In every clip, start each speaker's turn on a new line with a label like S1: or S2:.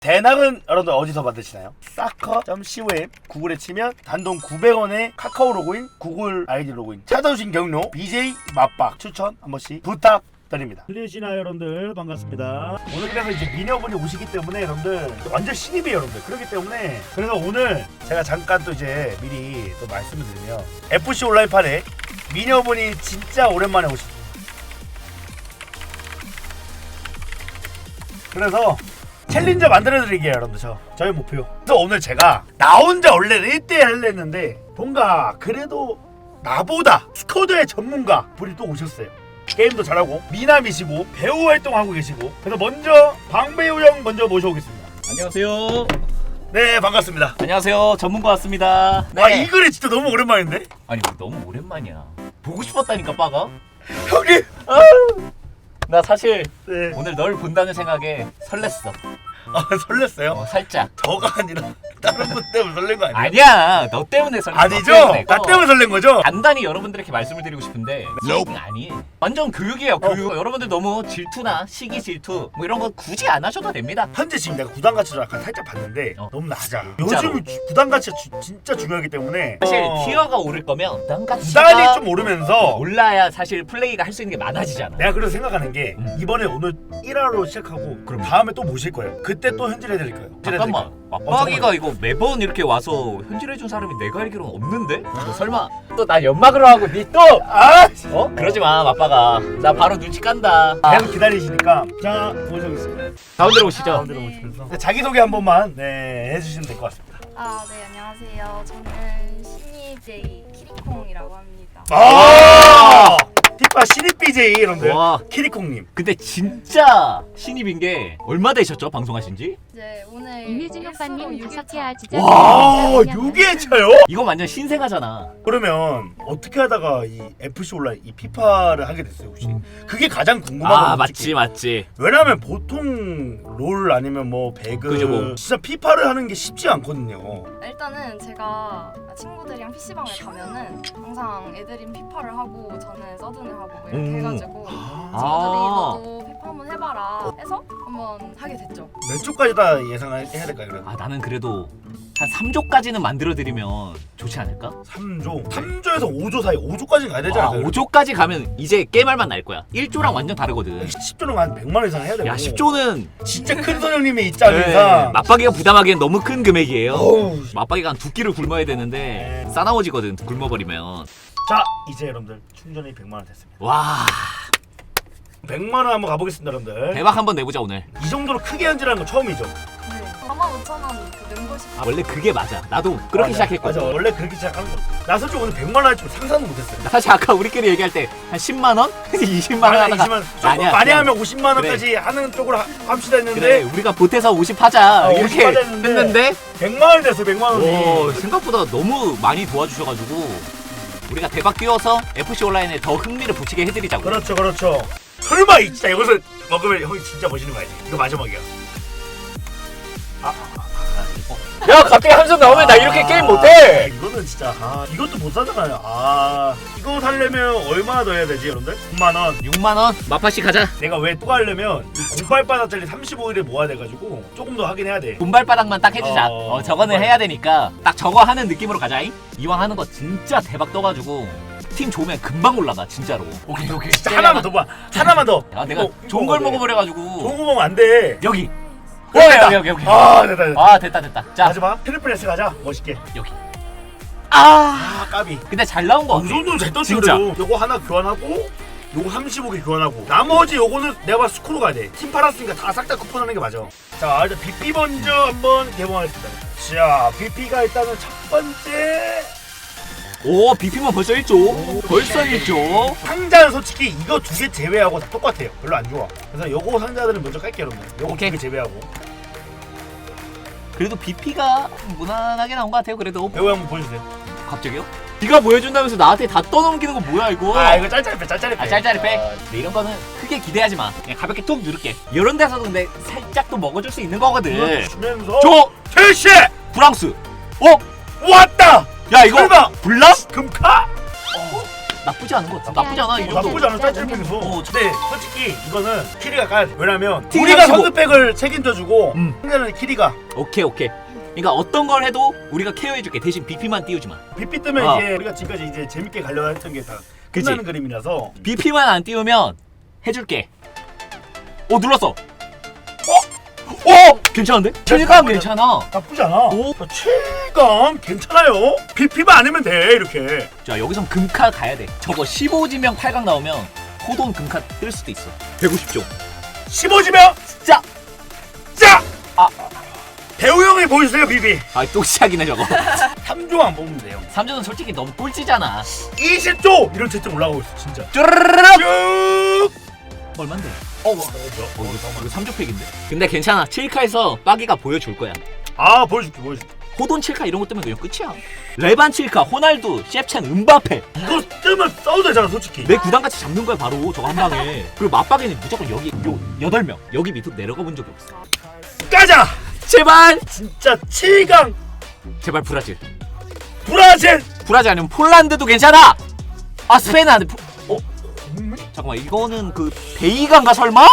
S1: 대낙은 여러분들 어디서 받으시나요? 사커.com 구글에 치면 단돈 900원에 카카오 로그인, 구글 아이디 로그인 찾아오신 경로 BJ 맛박 추천 한 번씩 부탁드립니다. 들리시나요 여러분들? 반갑습니다. 오늘 그래서 이제 미녀분이 오시기 때문에 여러분들 완전 신입이에요 여러분들. 그렇기 때문에 그래서 오늘 제가 잠깐 또 이제 미리 또 말씀을 드리면 FC 온라인판에 미녀분이 진짜 오랜만에 오십니다. 그래서 챌린저 만들어드리게요 여러분들. 저희 목표. 그래서 오늘 제가 나 혼자 원래는 1대1 하려 했는데 뭔가 그래도 나보다 스쿼드의 전문가 분이 또 오셨어요. 게임도 잘하고 미남이시고 배우 활동하고 계시고. 그래서 먼저 방배우 형 먼저 모셔오겠습니다.
S2: 안녕하세요.
S1: 네 반갑습니다.
S2: 안녕하세요. 전문가 왔습니다. 네.
S1: 아 이 글이 진짜 너무 오랜만인데?
S2: 아니 너무 오랜만이야. 보고 싶었다니까 빠가.
S1: 형님!
S2: 나 사실
S1: 네.
S2: 오늘 널 본다는 생각에 설렜어.
S1: 아 설렜어요?
S2: 살짝.
S1: 저가 아니라 다른 분 때문에 설렌 거 아니에요?
S2: 아니야. 너 때문에 설렜어.
S1: 아니죠? 나
S2: 어.
S1: 때문에 설렌 거죠?
S2: 간단히 여러분들에게 말씀을 드리고 싶은데 교육은 아니에요. 완전 교육이에요. 교육. 여러분들 너무 질투나 시기 질투 뭐 이런 거 굳이 안 하셔도 됩니다.
S1: 현재 지금 내가 구단 가치를 약간 살짝 봤는데 너무 낮아.
S2: 진짜로.
S1: 요즘 구단 가치가 진짜 중요하기 때문에
S2: 사실 티어가 오를 거면
S1: 구단이
S2: 구단가치가
S1: 좀 오르면서
S2: 올라야 사실 플레이가 할 수 있는 게 많아지잖아.
S1: 내가 그래서 생각하는 게 이번에 오늘 1화로 시작하고 그럼 다음에 또 모실 거예요. 그때 또 현질해드릴 거예요.
S2: 잠깐만. 맞박이가 이거 매번 이렇게 와서 현질해준 사람이 내가 알기로는 없는데? 너 설마 또 나 연막으로 하고 니 또?
S1: 아!
S2: 어? 그러지마 맞박아. 나 바로 눈치 깐다.
S1: 계속 기다리시니까 자 모셔보겠습니다.
S2: 가운데로 오시죠.
S1: 가운데로 모시면서 자기소개 한 번만 네 해주시면 될 것 같습니다.
S3: 네, 안녕하세요. 저는 신이J 키리콩이라고 합니다.
S1: 아! 티파 신입 BJ 여러분들
S2: 와.
S1: 키리콩님.
S2: 근데 진짜 신입인 게 얼마 되셨죠? 방송하신 지?
S3: 이제 오늘
S4: 이휘진 오빠님 5개 하지자.
S1: 와 6회차요?
S2: 이거 완전 신생아잖아.
S1: 그러면 어떻게 하다가 이 FC 온라인 이 피파를 하게 됐어요 혹시? 그게 가장 궁금하거든요.
S2: 아 맞지
S1: 솔직히.
S2: 맞지.
S1: 왜냐면 보통 롤 아니면 뭐 배그
S2: 그죠, 뭐.
S1: 진짜 피파를 하는 게 쉽지 않거든요.
S3: 일단은 제가 친구들이랑 PC방을 가면은 항상 애들이 피파를 하고 저는 서든을 하고 뭐 이렇게 해가지고 친구들이 너도 피파 한번 해봐라 해서 한번 하게 됐죠.
S1: 몇 조까지 다 예상을 해야 될까요 그래도?
S2: 아 나는 그래도 한 3조까지는 만들어드리면 좋지 않을까?
S1: 3조 3조에서 5조 사이 5조까지 가야 되지
S2: 아
S1: 않아요?
S2: 5조까지 가면 이제 게임할 맛 날 거야. 1조랑 완전 다르거든.
S1: 10조는 한 100만 원 이상 해야 되고
S2: 야 10조는
S1: 진짜 큰 선생님의 입장 이상
S2: 맞박이가 부담하기엔 너무 큰 금액이에요.
S1: 어우.
S2: 맞박이가 한 2끼를 굶어야 되는데 싸나워지거든 굶어버리면.
S1: 자 이제 여러분들 충전이 100만 원 됐습니다.
S2: 와
S1: 100만 원 한번 가보겠습니다 여러분들.
S2: 대박 한번 내보자 오늘.
S1: 이 정도로 크게 현질하는 건 처음이죠.
S3: 네. 45,000원 그 멤버십.
S2: 원래 그게 맞아. 나도 그렇게
S1: 맞아,
S2: 시작했거든.
S1: 맞아 원래 그렇게 시작하는 거. 나 솔직히 오늘 100만 원 할 줄 상상도 못했어요.
S2: 나 사실 아까 우리끼리 얘기할 때 한 10만 원? 20만 원 하다가
S1: 20만 조금 많이 하면 50만 원까지 하는 쪽으로 합시다 했는데
S2: 그래 우리가 보태서 50 하자
S1: 50
S2: 이렇게
S1: 하자 했는데
S2: 했는데
S1: 100만 원이 됐어 100만 원이.
S2: 오, 생각보다 너무 많이 도와주셔가지고 우리가 대박 뛰어서 FC 온라인에 더 흥미를 붙이게 해드리자고.
S1: 그렇죠 그렇죠. 설마 이 진짜 이것을 먹으면 형이 진짜 멋있는 거 알지? 이거 마지막이야.
S2: 야 갑자기 함성 나오면 나 이렇게 게임 못해.
S1: 이거는 진짜 이것도 못 사잖아요. 이거 살려면 얼마나 더 해야 되지 여러분들? 9만 원.
S2: 6만 원 마파씨 가자.
S1: 내가 왜 또 하려면 이 공발바닥짜리 35일에 모아야 돼가지고 조금 더 하긴 해야 돼.
S2: 돈발바닥만 딱 해주자. 저거는
S1: 돈발.
S2: 해야 되니까 딱 저거 하는 느낌으로 가자잉. 이왕 하는 거 진짜 대박 떠가지고 팀 좋으면 금방 올라가 진짜로. 오케이
S1: 진짜 하나만 더 봐. 하나만 더.
S2: 아 내가
S1: 이거
S2: 좋은 걸
S1: 먹어야 돼.
S2: 먹어버려가지고.
S1: 좋은 거 먹으면 안 돼.
S2: 여기.
S1: 됐다.
S2: 여기.
S1: 됐다.
S2: 됐다. 자
S1: 마지막 트리플 S 가자. 멋있게.
S2: 여기.
S1: 까비.
S2: 근데 잘 나온 거
S1: 이
S2: 같아.
S1: 정도는 잘 떴지
S2: 진짜.
S1: 그래도. 요거 하나 교환하고 요거 35개 교환하고 나머지 요거는 내가 봐서 스코로 가야 돼. 팀 팔았으니까 다 싹 다 쿠폰하는 게 맞아. 자 일단 BP 먼저 한번 개봉하겠습니다. 자 BP가 일단은 첫 번째
S2: 오 BP만 벌써 1조. 벌써 1조.
S1: 상자는 솔직히 이거 두 개 제외하고 다 똑같아요. 별로 안 좋아. 그래서 요거 상자들은 먼저 깔게요 여러분. 요거
S2: 오케이.
S1: 두 개 제외하고.
S2: 그래도 BP가 무난하게 나온 것 같아요. 그래도
S1: 배우 한번 보여주세요.
S2: 갑자기요? 네가 보여준다면서 나한테 다 떠넘기는 거 뭐야 이거?
S1: 이거 짤짤이 빼.
S2: 짤짤이 빼. 근데 이런 거는 크게 기대하지 마. 그냥 가볍게 툭 누를게. 이런 데서도 근데 살짝 또 먹어줄 수 있는 거거든.
S1: 이거 주면서
S2: 저
S1: 켈시
S2: 프랑스.
S1: 왔다.
S2: 야 이거
S1: 설마
S2: 블랑?
S1: 금카?
S2: 나쁘지 않은 것 같아. 나쁘지 않아 이 정도.
S1: 나쁘지 않은 짤짤백에서.
S2: 어,
S1: 근데 솔직히 이거는 키리가 깔. 왜냐면
S2: 키리가
S1: 우리가
S2: 치고.
S1: 선두백을 책임져주고
S2: 음.
S1: 상대는 키리가
S2: 오케이. 그러니까 어떤 걸 해도 우리가 케어해줄게. 대신 BP만 띄우지 마.
S1: BP 뜨면
S2: 아.
S1: 이제 우리가 지금까지 이제 재밌게 가려고 했던 게 다
S2: 그치?
S1: 끝나는 그림이라서.
S2: BP만 안 띄우면 해줄게. 오 눌렀어. 괜찮은데? 체감 괜찮아.
S1: 나쁘지 않아.
S2: 오.
S1: 체감 괜찮아요. BP만 아니면 돼 이렇게.
S2: 자 여기선 금카 가야 돼. 저거 15지명 8강 나오면 호돈 금카 뜰 수도 있어. 150조.
S1: 15지면
S2: 자. 아.
S1: 배우 형이 보여주세요 BB.
S2: 또 시작이네 저거.
S1: 3조 안 뽑으면 돼요.
S2: 3조는 솔직히 너무 꼴찌잖아.
S1: 20조 이런 채점 올라가고 있어 진짜.
S2: 쭈르르륵.
S1: 쭉.
S2: 얼만데?
S1: 뭐야?
S2: 이거 3조 팩인데? 근데 괜찮아. 7카에서 빠기가 보여줄 거야.
S1: 아 보여줄게.
S2: 호돈 7카 이런 것 뜨면 그냥 끝이야. 레반 7카, 호날두, 셰프첸, 음바페.
S1: 이거 뜨면 써도 되잖아 솔직히.
S2: 내 구단같이 잡는 거야 바로 저거 한 방에. 그리고 맞박에는 무조건 여기 요 8명. 여기 밑으로 내려가 본 적이 없어.
S1: 가자.
S2: 제발.
S1: 진짜 7강
S2: 제발 브라질.
S1: 브라질.
S2: 아니면 폴란드도 괜찮아. 아 스페인 안 돼. 잠깐만 이거는 그 베이간가 설마?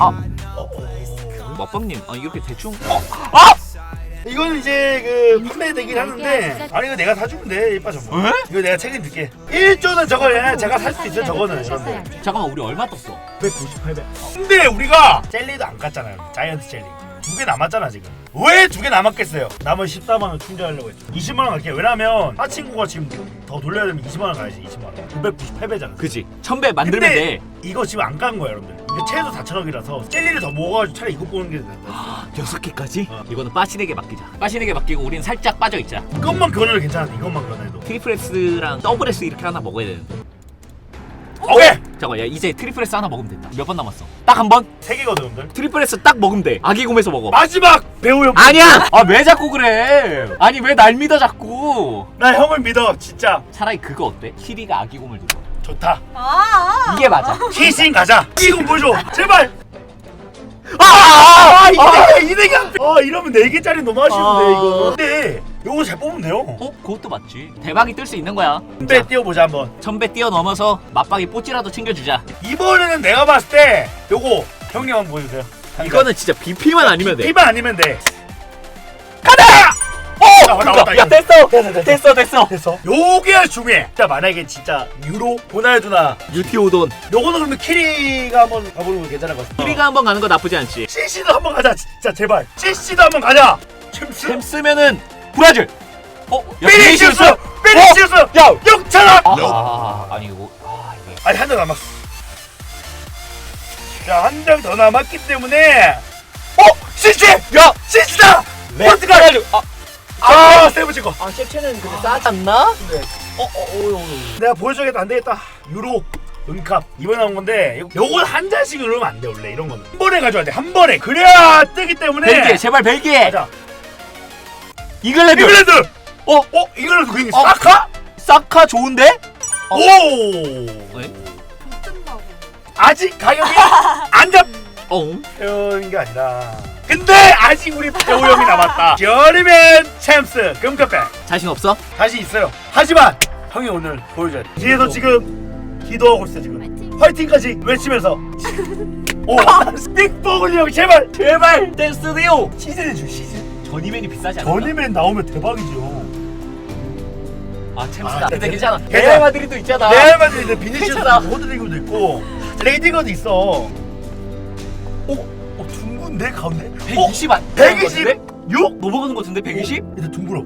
S2: 맞박님 이렇게 대충
S1: 이거는 이제 그 판매되긴 하는데 아니 이거 내가 사주면 돼 이빠 저거.
S2: 에?
S1: 이거 내가 책임질게. 1조는 저거 제가 살 수 있어요 저거는. 여러분들.
S2: 잠깐만 우리 얼마 떴어?
S1: 198배. 근데 우리가 젤리도 안 깠잖아요. 자이언트 젤리 2개 남았잖아 지금. 왜 2개 남았겠어요? 남은 14만원 충전하려고 했죠. 20만원 갈게요. 왜냐면 하 친구가 지금 더 돌려야 되면 20만원 가야지. 20만원 998배잖아.
S2: 그지 1000배 만들면
S1: 근데
S2: 돼.
S1: 이거 지금 안 깐 거야 여러분들. 이게 최소 4천억이라서 젤리를 더 먹어가지고 차라리 이거 보는 게 낫다.
S2: 6개까지? 이거는 빠시에게 맡기자. 빠시에게 맡기고 우린 살짝 빠져있자.
S1: 이것만 그거는 괜찮은데 이것만 그거는
S2: 트리플 S랑 더블 S 이렇게 하나 먹어야 되는데.
S1: 오케이!
S2: 잠깐만 야 이제 트리플 S 하나 먹으면 된다. 몇 번 남았어? 딱 한 번?
S1: 3개거든 여러분들.
S2: 트리플 S 딱 먹으면 돼. 아기곰에서 먹어.
S1: 마지막 배우 형.
S2: 아니야! 왜 자꾸 그래? 아니 왜 날 믿어 자꾸?
S1: 나 형을 믿어 진짜.
S2: 차라리 그거 어때? 키리가 아기곰을 들어.
S1: 좋다.
S2: 이게 맞아.
S1: 희신 가자. 이거 보여줘 제발. 이대가 이러면 4개짜리 너무 아쉬운데 이거. 근데 요거 잘 뽑으면 돼요.
S2: 그것도 맞지. 대박이 뜰 수 있는 거야.
S1: 배 띄워보자 한번.
S2: 1000배 뛰어넘어서 맞박이 뽀찌라도 챙겨주자.
S1: 이번에는 내가 봤을 때 요거 형님 한번 보여주세요.
S2: 이거는 진짜 BP만 아니면 돼.
S1: B만 아니면 돼.
S2: 그거. 야 됐어.
S1: 됐어. 요게 중요해. 진짜 만약에 진짜 유로, 호날두나
S2: 유티오돈.
S1: 요거는 그러면 키리가 한번 가보는 거 괜찮을 것 같아.
S2: 키리가 한번 가는 거 나쁘지 않지.
S1: CC도 한번 가자 진짜 제발. CC도 한번 가자. 챔스.
S2: 챔스면은 브라질.
S1: 피니시우스.
S2: 야
S1: 6,000원.
S2: 아니 이거 이게
S1: 아니 한 장 남았어. 자 한 장 더 남았기 때문에 CC.
S2: 야
S1: CC다.
S2: 포르투갈.
S1: 세븐 찍어.
S2: 셰프첸은 근데 싸지 않나?
S1: 네. 내가 보여줘야겠다. 안 되겠다. 유로 은캅 이번에 나온 건데 요거 한 잔씩 누르면 안 돼. 원래 이런 거는 한 번에 가져야 돼. 한 번에 그래야 뜨기 때문에.
S2: 벨기에 제발 벨기에.
S1: 가자.
S2: 이글랜드.
S1: 이글랜드 그게 사카?
S2: 사카 좋은데?
S1: 오.
S2: 왜?
S3: 못 뜬다고.
S1: 아직 가격이 안 잡혀는 게 아니라. 근데 아직 우리 배우 형이 남았다. 저리맨 챔스 금카페
S2: 자신 없어?
S1: 다시 있어요. 하지만 형이 오늘 보여줘야 돼. 뒤에서 지금 기도하고 있어 지금. 화이팅까지 외치면서. 오, 스틱버글리 형 제발.
S2: 댄스디오.
S1: 시즌 해줘 시즌.
S2: 전이맨이 비싸지 않나?
S1: 전이맨 나오면 대박이죠.
S2: 챔스다. 근데
S1: 괜찮아.
S2: 괜찮아. 레알 마드리도 있잖아.
S1: 레알 마드리드 비니시우스
S2: 괜찮아.
S1: 호드리고도 있고 레이디거도 있어. 둥근데 가운데?
S2: 120안.
S1: 126?
S2: 넘어가는 거 같은데 120?
S1: 일단 둥글어.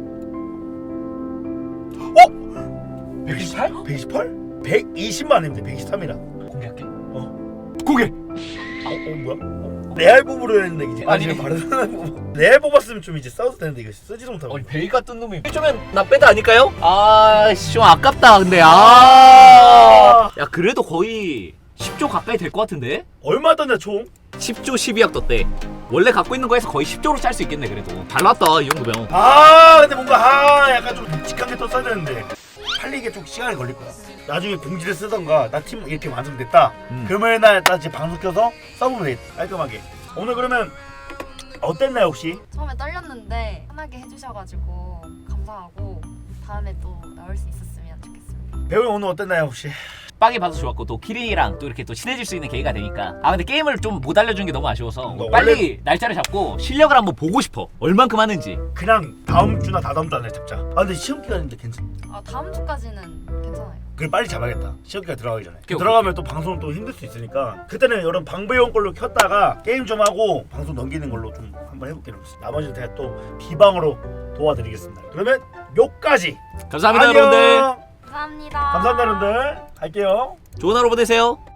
S1: 128? 128? 120만 원인데 123이라.
S2: 공개할게.
S1: 고개. 뭐야? 레알 뽑으려 했는데 이제
S2: 아니.
S1: 지금 바르셀로나 뽑. 레알 뽑았으면 좀 이제 싸워도 되는데 이거 쓰지도 못하고.
S2: 베이가 뜬 놈이 좀 나 빼다 아닐까요? 좀 아깝다 근데 야 그래도 거의 10조 가까이 될 것 같은데?
S1: 얼마 떴냐 총?
S2: 10조 12억 떴대. 원래 갖고 있는 거에서 거의 10조로 짤 수 있겠네 그래도. 잘 나왔다 이 정도면.
S1: 근데 뭔가 약간 좀 묵직한 게 떴어야 되는데 팔리게 좀 시간이 걸릴 거야. 나중에 공지를 쓰던가 나 팀 이렇게 완성됐다. 금요일 날 나 이제 방송 켜서 써보면 되겠다. 깔끔하게. 오늘 그러면 어땠나요 혹시?
S3: 처음에 떨렸는데 편하게 해주셔가지고 감사하고 다음에 또 나올 수 있었으면 좋겠습니다.
S1: 배우 오늘 어땠나요 혹시?
S2: 빡이 봐서 좋았고 또 키리랑 또 이렇게 또 친해질 수 있는 계기가 되니까. 아 근데 게임을 좀 못 알려준 게 너무 아쉬워서 빨리 날짜를 잡고 실력을 한번 보고 싶어. 얼만큼 하는지.
S1: 그냥 다음 주나 다다음 주 안에 잡자. 아 근데 시험 기간인데 괜찮.
S3: 다음 주까지는 괜찮아요.
S1: 그래 빨리 잡아야겠다. 시험 기간 들어가기 전에.
S2: 오케이,
S1: 들어가면 또 방송 또 힘들 수 있으니까 그때는 여러분 방배용 걸로 켰다가 게임 좀 하고 방송 넘기는 걸로 좀 한번 해볼게요. 나머지는 제가 또 비방으로 도와드리겠습니다. 그러면 요까지.
S2: 감사합니다
S1: 안녕.
S2: 여러분들.
S3: 감사합니다.
S1: 감사합니다 여러분들. 갈게요.
S2: 좋은 하루 보내세요.